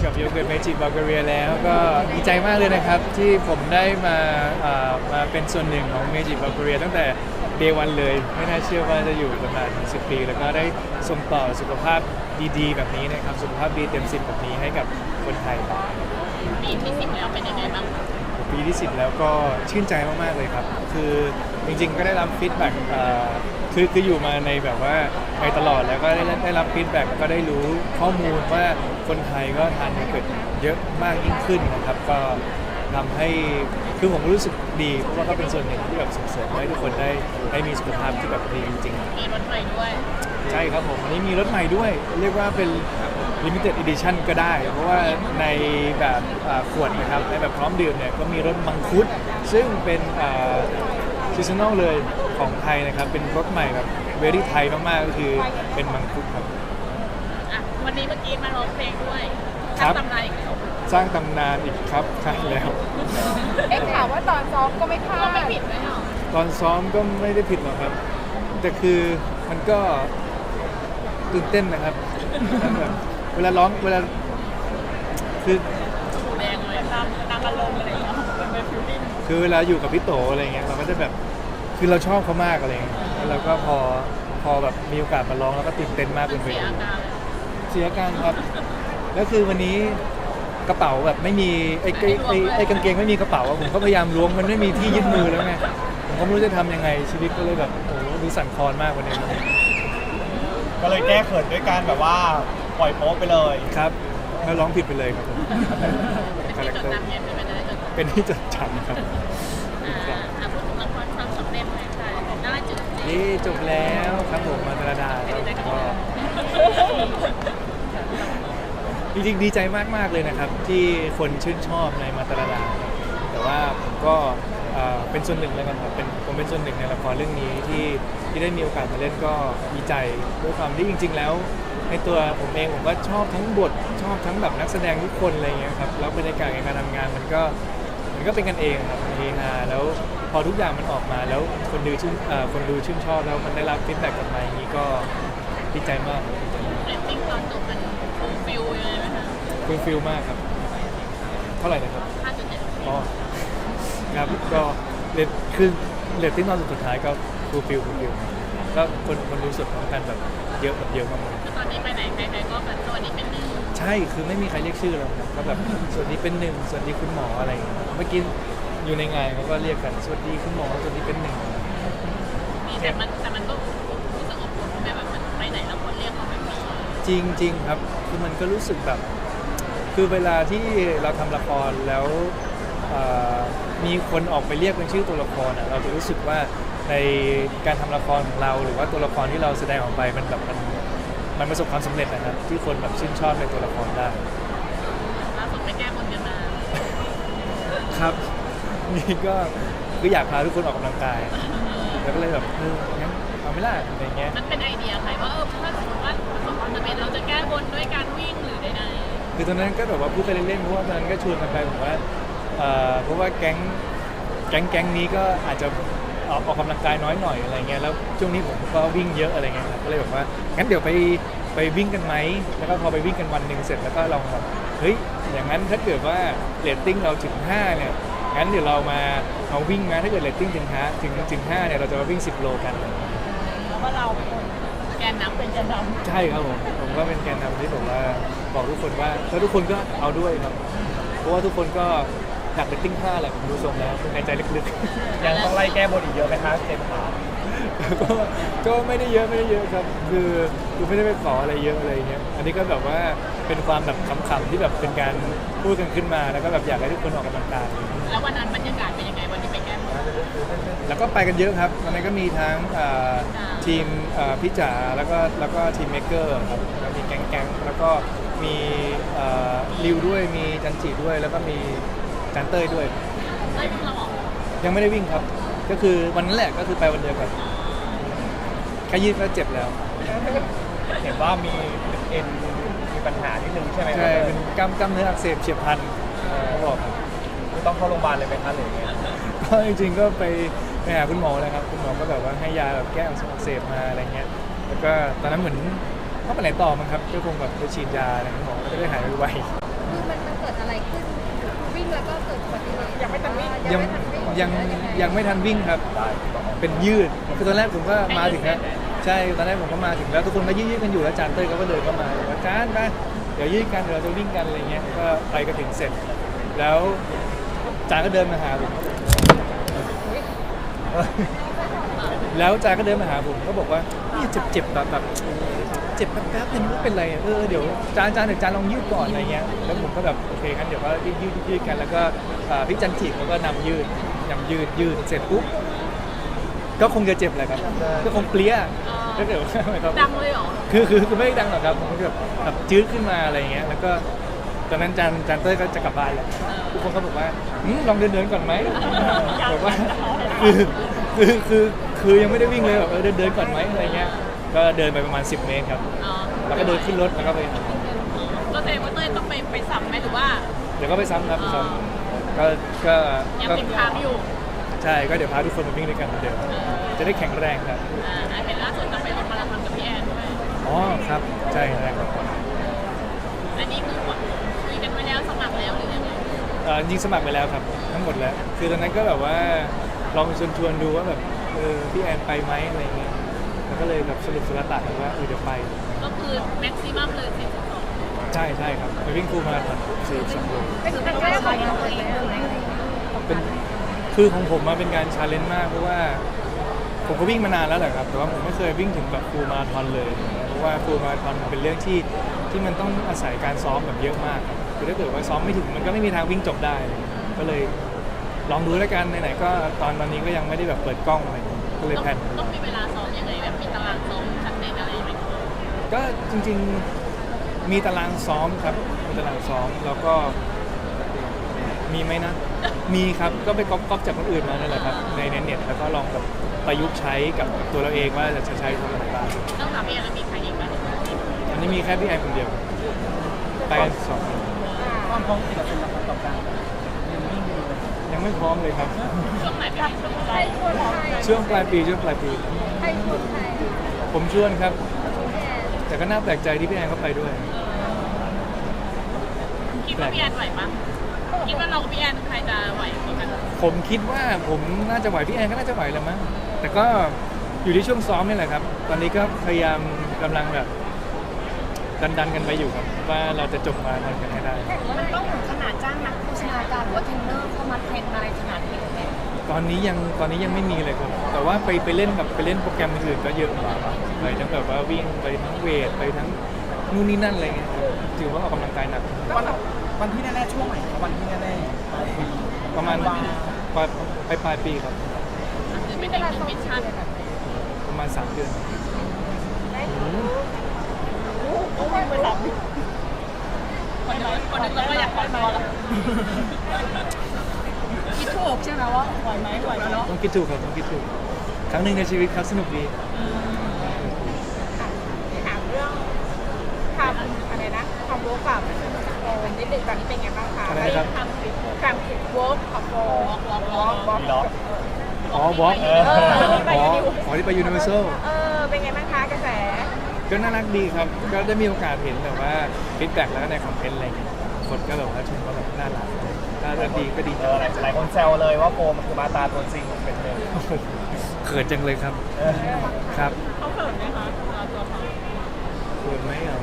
กับโยเกิร์ตเมจิบัลแกเรียแล้วก็ดีใจมากเลยนะครับที่ผมได้มาเป็นส่วนหนึ่งของเมจิบัลแกเรียตั้งแต่เดย์วันเลยไม่น่าเชื่อว่าจะอยู่ประมาณ10 ปีแล้วก็ได้ส่งต่อสุขภาพดีๆแบบนี้นะครับสุขภาพดีเต็ม10แบบนี้ให้กับคนไทยปีที่10แล้วเป็นยังไงบ้างปีที่10แล้วก็ชื่นใจมากๆเลยครับคือจริงๆก็ได้รับฟีดแบ็กคืออยู่มาในแบบว่าในตลอดแล้วก็ได้รับฟีดแบ็กแล้วก็ได้รู้ข้อมูลว่าคนไทยก็ทานโยเกิร์ตเยอะมากยิ่งขึ้นนะครับก็ทำให้คือผมรู้สึกดีเพราะว่าก็เป็นส่วนหนึ่งที่แบบส่งเสริมให้ทุกคนได้มีสุขภาพที่แบบดีจริงๆมีรถใหม่ด้วยใช่ครับผมวันนี้มีรถใหม่ด้วยเรียกว่าเป็น limited edition ก็ได้ เพราะว่าในแบบขวดนะครับในแบบพร้อมดื่มเนี่ยก็มีรสมังคุดซึ่งเป็นซีซันนอลเลยของไทยนะครับเป็นรสใหม่แบบเวรี่ไทยมากๆก็คือเป็นมังคุดครับอ่ะวันนี้เมื่อกี้มาร้องเพลงด้วยครับทำตำนานอีกแล้วสร้างตำนานอีกครับใช่แล้วข่าวว่าตอนซ้อมก็ไม่พลาก็ดไม่ผิดเลยเหรอตอนซ้อมก็ไม่ได้ผิดหรอกครับ แต่คือมันก็ตื่นเต้นนะครับแบบเวลาร้องเวลาคือหูแดงเลยตามอารมณ์อะไรอย่างเงี้ยเป็นฟิลลิ่งคือเวลาอยู่กับพี่โตอะไรเงี้ยเราก็จะแบบคือเราชอบเขามากอะไรเงี้ยแล้วเราก็พอแบบมีโอกาสมาร้องแล้วก็ตื่นเต้นมากมัเป็น นไปเสียอาการเลยเสียอาการครับแล้วคือวันนี้กระเป๋าแบบไม่มีไอ้กางเกงไม่มีกระเป๋าอะผมก็พยายามล้วงมันไม่มีที่ยึดมือแล้วไงผมก็ไม่รู้จะทำยังไงชีวิตก็เลยแบบโอ้โหดูสั่นคลอนมากวันนี้ก็เลยแก้เขินด้วยการแบบว่าปล่อยโป๊ะไปเลยครับแล้วร้องผิดไปเลยครับผมเป็นที่จดจำไงเป็นไปได้จดจำเป็นที่จดจำครับพูดถึงละครความสำเร็จเลยค่ะน่าจุดนี่จบแล้วครับผมมาตรดาครับก็จริงๆดีใจมากๆเลยนะครับ ที่คนชื่นชอบในมาตรดาครับแต่ว่าผมก็เป็นส่วนหนึ่งแล้วกันครับผมเป็นส่วนหนึ่งในละครเรื่องนี้ที่ได้มีโอกาสมาเล่นก็ดีใจด้วยความที่จริง ๆ แล้วในตัวผมเองผมก็ชอบทั้งบทชอบทั้งแบบนักแสดงทุกคนอะไรอย่างเงี้ยครับแล้วบรรยากาศในการทำงานมันก็เป็นกันเองครับเฮฮาแล้วพอทุกอย่างมันออกมาแล้วคนดูชื่นชอบแล้วมันได้รับฟีดแบ็กกลับมาอย่างนี้ก็ดีใจมากเรตติ้งตอนจบมันฟูลฟิลเลยไหมคะฟูลฟิลมากครับเท่าไหร่นะครับ 5.7 อ๋อครับก็คือเรตติ้งตอนสุดท้ายก็ฟูลฟิลก็คนรู้สึกของกันแบบเยอะมากตอนนี้ไปไหนใครๆก็แบบตัวนี้เป็นหนึ่งๆใช่คือไม่มีใครเรียกชื่อแล้วครับก็แบบสวัสดีเป็นหนึ่งสวัสดีคุณหมออะไรอย่างเงี้ยเมื่อกี้อยู่ในงานเขาก็เรียกกันสวัสดีคุณหมอสวัสดีเป็นหนึ่งมีแต่มันก็รู้สึกอบอุ่นแม่แบบมันไปไหนแล้วคนเรียกเขาแบบนี้จริงครับคือมันก็รู้สึกแบบคือเวลาที่เราทำละครแล้วมีคนออกไปเรียกเป็นชื่อตัวละครเราจะรู้สึกว่าในการทำละครของเราหรือว่าตัวละครที่เราแสดงออกไปมันแบบมันประสบความสำเร็จนะครับที่คนแบบชื่นชอบในตัวละครได้ล่าสุดไปแก้บนกันมาครับนี่ก็คืออยากพาทุกคนออกกำลังกายแล้วก็เลยแบบงั้นเอาไม่ล่ะอะไรเงี้ยมันเป็นไอเดียใครว่าถ้าสมมติว่าประสบความสำเร็จเราจะแก้บนด้วยการวิ่งหรือใดคือตอนนั้นก็แบบว่าพูดไปเล่นๆเพราะว่าตอนนั้นก็ชวนกันไปผมว่าเพราะว่าแก๊งนี้ก็อาจจะออกกำลังกายน้อยหน่อยอะไรเงี้ยแล้วช่วงนี้ผมก็วิ่งเยอะอะไรเงี้ยครับก็เลยแบบว่างั้นเดี๋ยวไปวิ่งกันไหมแล้วก็พอไปวิ่งกันวันหนึ่งเสร็จแล้วก็ลองแบบเฮ้ยอย่างนั้นถ้าเกิดว่าเรตติ้งเราถึง5เนี่ยงั้นเดี๋ยวเรามาวิ่งนะถ้าเกิดเรตติ้งถึง5เนี่ยเราจะมาวิ่ง10 โลกันๆแล้วว่าเราเป็นคนแกนนำเป็นแกนนำใช่ครับผมก็เป็นแกนนำที่ผมว่าบอกทุกคนว่าแล้วทุกคนก็เอาด้วยครับเพราะว่าทุกคนก็อยากเป็นติ้ง5แหละผมดูทรงแล้วในใจลึกๆยังต้องไล่แก้บนอีกเยอะไหมคะเจมส์ขาก็ไม่ได้เยอะครับคือไม่ได้ไปขออะไรเยอะอะไรเงี้ยอันนี้ก็แบบว่าเป็นความแบบขำๆที่แบบเป็นการพูดกันขึ้นมาแล้วก็แบบอยากให้ทุกคนออกกำลังกายแล้ววันนั้นบรรยากาศเป็นยังไงวันที่ไปแก้บนแล้วก็ไปกันเยอะครับวันนั้นก็มีทั้งทีมพี่จ๋าแล้วก็ทีมเมกเกอร์ครับแล้วมีแก๊งแล้วก็มีริวด้วยมีจันจิด้วยแล้วก็มีจันเต้ยด้วยเอ้ยเราออกยังไม่ได้วิ่งครับก็คือวันนั้นแหละก็คือไปวันเดียวกันแค่ยืดก็เจ็บแล้วเห็นว่ามีเอ็นมีปัญหานิดนึงใช่ไหมใช่เป็นกล้ามเนื้ออักเสบเฉียบพลันเขาบอกครับคือต้องเข้าโรงพยาบาลเลยไหมคะหรือไงก็จริงๆก็ไปหาคุณหมอแล้วครับคุณหมอก็แบบว่าให้ยาแบบแก้อักเสบมาอะไรเงี้ยแล้วก็ตอนนั้นเหมือนเขาไปไหนต่อมั้งครับก็คงแบบไปฉีดยาอะไรคุณหมอก็จะได้หายไวคือมันเกิดอะไรขึ้นวิ่งแล้วก็เกิดอุบัติเหตุยังไม่ทันวิ่งยังไม่ทันวิ่งครับ เป็นยืดคือตอนแรกผมก็มาถึงแล้วใช่ตอนแรกผมก็มาถึงแล้วทุกคนก็ยืดกันอยู่แล้วจานเต้ยเขาก็เดินเข้ามาบอกว่าจานไปเดี๋ยวยืดกันเดี๋ยวเราจะวิ่งกันอะไรเงี้ยก็ไปก็ถึงเสร็จ แล้วจานก็เดินมาหาผมแล้วจานก็เดินมาหาผมก็บอกว่านี่เจ็บแบบเจ็บแป๊บๆนึงไม่เป็นไรเดี๋ยวจานเดี๋ยวจานลองยืดก่อนอะไรเงี้ยแล้วผมก็แบบโอเคงั้นเดี๋ยวก็ยืดกันแล้วก็พี่จันทิเขาก็นำยืดเสร็จปุ๊บก็คงจะเจ็บแหละครับก็คงเปรี้ยถ้าเกิดว่าครับดังเลยเหรอคือไม่ได้ดังหรอกครับผมก็แบบจืดขึ้นมาอะไรเงี้ยแล้วก็ตอนนั้นจานเต้ยก็จะกลับบ้านแล้วทุกคนก็บอกว่าลองเดินก่อนไหมบอกว่าคือยังไม่ได้วิ่งเลยแบบเดินก่อนไหมอะไรเงี้ยก็เดินไปประมาณ10 เมตรครับอ๋อแล้วก็เดินขึ้นรถแล้วก็ไปก็แสดงว่าเต้ยต้องไปซ้ำไหมหรือว่าเดี๋ยวก็ไปซ้ำครับไปซ้ำก็ยังติดค้างอยู่ใช่ก็เดี๋ยวพาทุกคนมาวิ่งด้วยกันเหมือนเดิมจะได้แข็งแรงครับเห็นล่าสุดจะไปลงมาราธอนกับพี่แอนด้วยอ๋อครับใช่ครับอันนี้คือคุยกันไว้แล้วสมัครแล้วหรือยังไงจริงสมัครไปแล้วครับทั้งหมดแล้วคือตอนนั้นก็แบบว่าลองชวนดูว่าแบบพี่แอนไปไหมอะไรเงี้ยแล้วก็เลยแบบสรุปสุดท้ายกันว่าเดี๋ยวไปก็คือแม็กซิมัมเลย42 ใช่ครับไปวิ่งฟูลมาราธอน42 โลเป็นครั้งแรกของเราเลยไหมเป็นคือของผมมาเป็นการชาเลนจ์มากเพราะว่าผมก็วิ่งมานานแล้วแหละครับแต่ว่าผมไม่เคยวิ่งถึงแบบฟูลมาราธอนเลยเพราะว่าฟูลมาราธอนมันเป็นเรื่องที่มันต้องอาศัยการซ้อมแบบเยอะมากครับคือถ้าเกิดว่าซ้อมไม่ถึงมันก็ไม่มีทางวิ่งจบได้เลยก็เลยลองดูแล้วกันไหนๆก็ตอนนี้ก็ยังไม่ได้แบบเปิดกล้องอะไรก็เลยแพลนต้องมีเวลาซ้อมยังไงแบบมีตารางซ้อมชัดเจนอะไรไหมก็จริงๆมีตารางซ้อมครับมีตารางซ้อมแล้วก็มีไหมนะ มีครับก็ไปก๊อปจากคนอื่นมานั่นแหละครับในเน็ตแล้วก็ลองแบบประยุกต์ใช้กับตัวเราเองว่าจะใช้ทำอะไรบ้างต้องถามพี่แอนแล้วมีใครอีกไหมอันนี้มีแค่พี่แอนคนเดียวไปกัน2 คนความพร้อมกี่เปอร์เซ็นต์แล้วครับต่อการวิ่งยังไม่พร้อมเลยครับช่วงไหนเป็นช่วงใครชวนใครช่วงปลายปีใครชวนใครผมชวนครับแอนแต่ก็น่าแปลกใจที่พี่แอนเขาไปด้วยคิดว่าพี่แอนไหวปะคิดว่าเรากับพี่แอนใครจะไหวกว่ากันผมคิดว่าผมน่าจะไหวพี่แอนก็น่าจะไหวแหละมั้งแต่ก็อยู่ที่ช่วงซ้อมนี่แหละครับ ตอนนี้ก็พยายามกำลังแบบดันกันไปอยู่ครับว่าเราจะจบมาทันกันให้ได้มันต้องถึงขนาดจ้างนักโฆษณาการหรือว่าเทรนเนอร์เข้ามาเทรนอะไรขนาดนี้ไหมตอนนี้ยังไม่มีเลยครับ แต่ว่าไปเล่นโปรแกรมอื่นก็เยอะไปทั้งแบบว่าวิ่งไปทั้งเวทไปทั้งนู่นนี่นั่นอะไรเงี้ยครับถือว่าออกกำลังกายหนักวันที่แน่ๆช่วงไหนครับวันที่แน่ๆปลายปีประมาณปลายปีครับคือเป็นอีกมิชชั่นประมาณ3 เดือนต้องวิ่งไป3คนนึงเราก็อยากไปมาแล้วคิดถูกใช่ไหมว่าไหวไหมเนาะต้องคิดถูกครับต้องคิดถูกครั้งหนึ่งในชีวิตครับสนุกดีถามเรื่องทำอะไรนะความรู้กับโอ้นิดนึงตอนนี้เป็นไงบ้างคะอะไรนะครับการคิดเวิร์กของโบมีล็อกอ๋อบล็อกที่ไปยูนิเวอร์แซลเป็นไงบ้างคะกระแสก็น่ารักดีครับ ก็ได้มีโอกาสเห็นแบบว่าฟีดแบ็กแล้วก็ในคอมเมนต์อะไรอย่างเงี้ยคนก็แบบว่าชมว่าแบบน่ารักดีก็ดีใจหลายคนแซวเลยว่าโฟมมันคือมาตาตัวจริงเป็นเลยเขินจังเลยครับครับเขาเขินไหมคะตัวเขาเขินไหมอ่ะ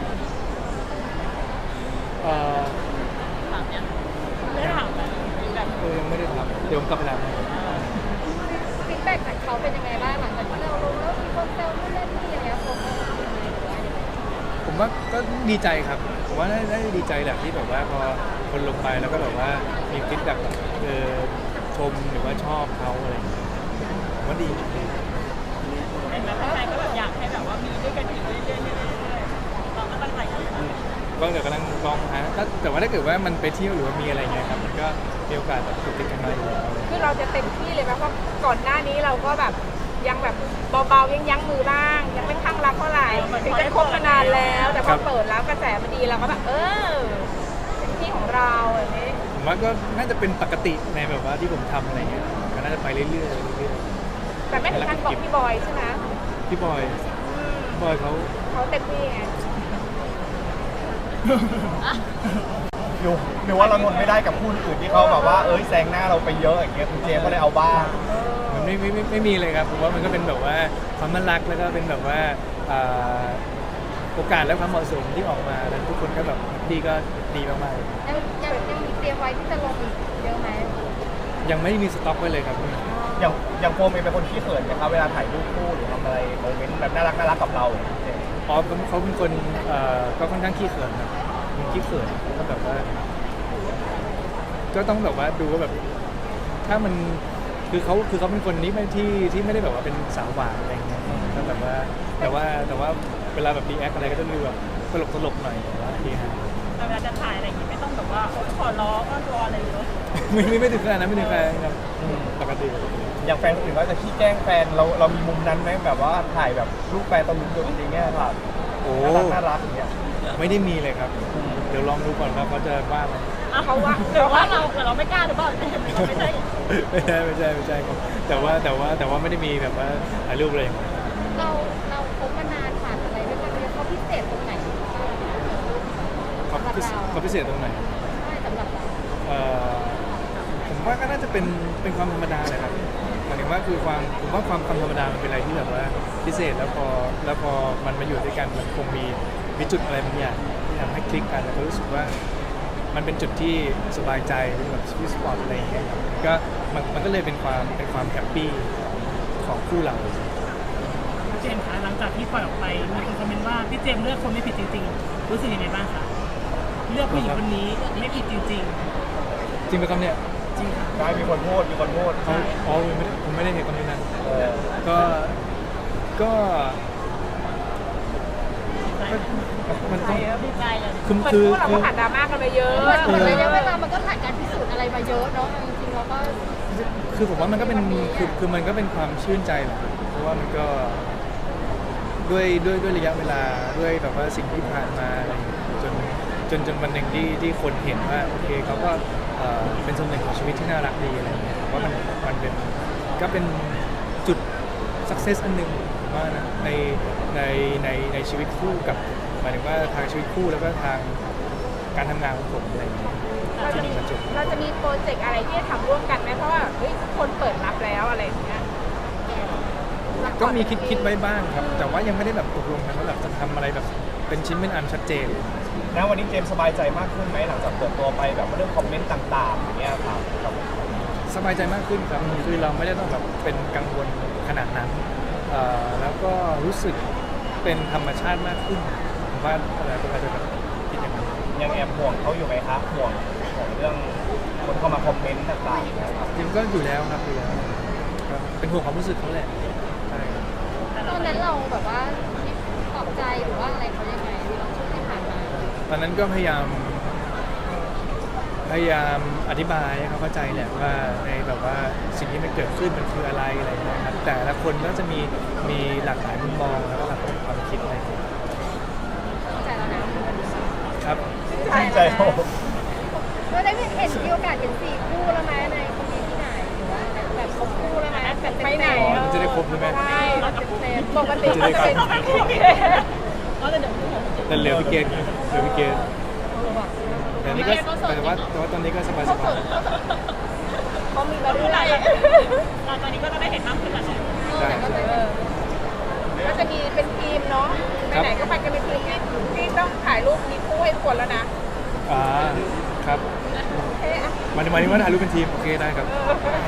ถามยังไม่ถามแบบยังไม่ได้ทำเดี๋ยวผมกลับไปทำฟีดแบ็กจากเขาเป็นยังไงบ้างหลังจากที่เราลงแล้วมีคนแซวนู่นนั่นนี่อย่างเงี้ยคนก็เป็นยังไงหรือว่ายังไงผมว่าก็ดีใจครับผมว่าได้ดีใจแหละที่แบบว่าพอคนลงไปแล้วก็แบบว่ามีฟีดแบ็กแบบชมหรือว่าชอบเขาอะไรอย่างเงี้ยผมว่าดีเห็นไหมใครก็แบบอยากให้แบบว่ามีด้วยกันอีกเรื่อยๆเราก็ตั้งใจกันก็เดี๋ยวกำลังลองหาแต่ว่าถ้าเกิดว่ามันไปเที่ยวหรือว่ามีอะไรเงี้ยครับมันก็มีโอกาสแบบติดกันมาอยู่แล้วคือเราจะเต็มที่เลยไหมเพราะก่อนหน้านี้เราก็แบบยังแบบเบาๆยั้งมือบ้าง ยังไม่ข้างรักเท่าไหร่ถึงจะคบมานานแล้ว แต่พอเปิดแล้วกระแสมันดีเราก็แบบเป็นที่ของเราอย่างนี้ผมว่าก็น่าจะเป็นปกติในแบบว่าที่ผมทำอะไรเงี้ยก็น่าจะไปเรื่อยๆแต่ไม่ถึงขั้นบอกพี่บอยใช่ไหมพี่บอยเขาเขาเต็มที่ไงหรือว่าเราทนไม่ได้กับคู่อื่นที่เขาแบบว่าแซงหน้าเราไปเยอะอย่างเงี้ยคุณเจมส์ก็เลยเอาบ้างมันไม่มีเลยครับผมว่ามันก็เป็นแบบว่าความน่ารักแล้วก็เป็นแบบว่าโอกาสและความเหมาะสมที่ออกมาแล้วทุกคนก็แบบดีก็ดีมากๆเลยยังมีเตรียมไว้ที่จะลงอีกเยอะไหมยังไม่มีสต็อกไว้เลยครับอย่างโฟมเองเป็นคนขี้เขินไหมครับเวลาถ่ายรูปคู่หรือทำอะไรโมเมนต์แบบน่ารักกับเราอย่างเงี้ยเจมส์อ๋อเขาเป็นคนก็ค่อนข้างขี้เขินครับมันขี้เขินก็แบบว่า ก็ต้องแบบว่าดูว่าแบบ ถ้ามันคือเขาเป็นคนที่ไม่ได้แบบว่าเป็นสาวหวานอะไรเงี้ยก็แบบว่าแต่ว่าเวลาแบบดีแอคอะไรก็จะดูแบบตลกหน่อยแต่ว่าดีฮะแต่เวลาจะถ่ายอะไรอย่างงี้ไม่ต้องแบบว่าขอร้องอ้อนวอนอะไรเยอะไม่ถึงขนาดนั้นไม่ถึงขนาดนั้นครับปกติอย่างแฟนคนอื่นก็จะขี้แกล้งแฟนเรามีมุมนั้นไหมแบบว่าถ่ายแบบรูปแฟนตอนลุ้นตัวจริงๆเนี่ยครับโอ้น่ารักอย่างเงี้ยไม่ได้มีเลยครับ เดี๋ยวลองดูก่อนว่าเขาจะว่าไหมเขาว่าหรือว่าเราไม่กล้าหรือเปล่าเราไม่ใช่ไม่ใช่ครับแต่ว่าไม่ได้มีแบบว่าถ่ายรูปเลยเราคบมานานผ่านอะไรด้วยกันเนี่ยเขาพิเศษตรงไหนเขาพิเศษตรงไหนใช่สำหรับเราผมว่าก็น่าจะเป็นความธรรมดาเลยครับหมายถึงว่าคือผมว่าความธรรมดามันเป็นอะไรที่แบบว่าพิเศษแล้วพอมันมาอยู่ด้วยกันมันคงมีจุดอะไรบางอย่างที่ทำให้คลิกกันแล้วก็รู้สึกว่ามันเป็นจุดที่สบายใจเป็นแบบสวีทสปอตอะไรอย่างเงี้ยครับก็มันก็เลยเป็นความแฮปปี้ของคู่เราเจมส์คะหลังจากที่ปล่อยออกไปมีคนคอมเมนต์ว่าพี่เจมส์เลือกคนไม่ผิดจริงๆ รู้สึกยังไงบ้างคะเลือกผู้หญิงคนนี้ไม่ผิดจริงจริงไหมครับเนี่ยๆ จริงค่ะได้มีคนพูดอ๋อผมไม่ได้เห็นคอมเมนต์นั้นเออก็มันต้องดีใจเลยคือเหมือนคือพวกเราคืก็อผ่านดราม่ากันมาเยอะเหมือนระยะเวลามันก็ผ่านการพิสูจน์อะไรมาเยอะเนาะจริงๆเราก็คือผมว่ามันก็เป็นคือมันก็เป็นความชื่นใจแหละครับเพราะว่ามันก็ด้วยระยะเวลาด้วยแบบว่าสิ่งที่ผ่านมาอะไรอย่างเงี้ยจนวันหนึ่งที่คนเห็นว่าโอเคเขาก็เป็นส่วนหนึ่งของชีวิตที่น่ารักดีอะไรอย่างเงี้ยผมว่ามันเป็นก็เป็นจุด success อันหนึ่งผมว่านะในชีวิตคู่กับหมายถึงว่าทางชีวิตคู่แล้วก็ทางการทำงานของผมอะไรอย่างเงี้ยที่มีมาจบเราจะมีโปรเจกต์อะไรที่จะทำร่วมกันไหมเพราะว่าเฮ้ยทุกคนเปิดรับแล้วอะไรอย่างเงี้ยก็มีคิดไว้บ้างครับ แต่ว่ายังไม่ได้แบบตกลงกันว่าแบบจะทำอะไรแบบเป็นชิ้นเป็นอันชัดเจนแล้ววันนี้เจมส์สบายใจมากขึ้นไหมหลังจากเปิดตัวไปแบบเรื่องคอมเมนต์ต่างๆอย่างเงี้ยครับสบายใจมากขึ้นครับคือเราไม่ได้ต้องแบบเป็นกังวลขนาดนั้นแล้วก็รู้สึกเป็นธรรมชาติมากขึ้นผมว่าอะไรก็อาจจะแบบคิดอย่างนั้นยังแอบห่วงเขาอยู่ไหมครับห่วงเรื่องคนเข้ามาคอมเมนต์ต่างๆนะครับจริงก็อยู่แล้วครับอยู่แล้วก็เป็นห่วงความรู้สึกเขาแหละใช่ครับตอนนั้นเราแบบว่าปลอบใจหรือว่าอะไรเขายังไงช่วงที่ผ่านมาตอนนั้นก็พยายามอธิบายให้เขาเข้าใจแหละว่าในแบบว่าสิ่งที่มันเกิดขึ้นมันคืออะไรอะไรอย่างเงี้ยครับแต่ละคนก็จะมีหลากหลายมุมมองแล้วก็หลากหลายความคิดอะไรอย่างเงี้ยเข้าใจแล้วนะครับชื่นใจโอ้เราได้เห็นมีโอกาสเป็น4คู่แล้วไหมในคอมเมนต์ที่ไหนหรือว่าแบบครบคู่แล้วไหมแบบไปไหนอ๋อจะได้ครบใช่ไหมใช่เต็มปกติก็จะเป็นก็จะเดี๋ยวแต่เหลือพี่เกดเหลือพี่เกดแต่นี่ก็แต่ว่าตอนนี้ก็สบายเขามีมาเรื่อยเราตอนนี้ก็จะได้เห็นมากขึ้นแล้วเนาะๆได้ก็จะมีเป็นทีมเนาะไปไหนก็ไปกันเป็นทีมที่ต้องถ่ายรูปมีคู่ให้คนแล้วนะอ่าครับโอเคอ่ะหมายถึงว่าถ่ายรูปเป็นทีมโอเคได้ครับเออ